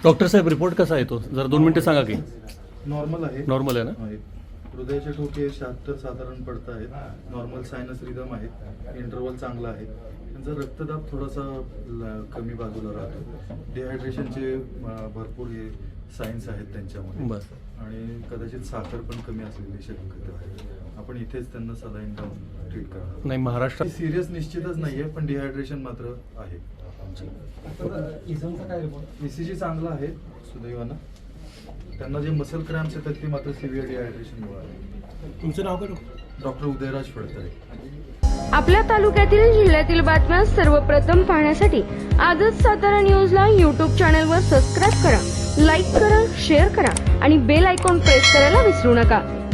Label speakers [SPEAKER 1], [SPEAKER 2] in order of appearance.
[SPEAKER 1] Doctor साहेब report कसा आहे तो जरा 2 मिनिटं सांगा की.
[SPEAKER 2] नॉर्मल आहे.
[SPEAKER 1] नॉर्मल आहे ना.
[SPEAKER 2] हृदयाचे ठोके 76 साधारण पडत आहेत. नॉर्मल सायनस रिदम आहे. इंटरव्हल चांगला आहे. त्यांचा रक्तदाब थोडासा कमी बाजूला राहतो. डिहायड्रेशनचे भरपूर हे सायन्स आहेत त्यांच्यामध्ये.
[SPEAKER 1] बरं.
[SPEAKER 2] आणि कदाचित साखर पण कमी असलेली शक्यता आहे. आपण इथेच त्यांना सलाईन लावून ट्रीट करणार.
[SPEAKER 1] नाही महाराष्ट्रात
[SPEAKER 2] सिरियस निश्चितच नाहीये, पण डिहायड्रेशन मात्र आहे. ECG चांगला आहे सुदैवानं. त्यांना जे मसल क्रॅम्प्स येतात ते मात्र सिव्हिअर डिहायड्रेशनमुळे आहे.
[SPEAKER 1] तुमचं नाव काय?
[SPEAKER 2] डॉक्टर उदयराज फडतरे.
[SPEAKER 3] आपल्या तालुक्यातील जिल्ह्यातील बातम्या सर्वप्रथम पाहण्यासाठी आजच सातारा न्यूजला यूट्यूब चॅनलवर सबस्क्राईब करा, लाईक करा, शेअर करा आणि बेल आयकॉन प्रेस करायला विसरू नका.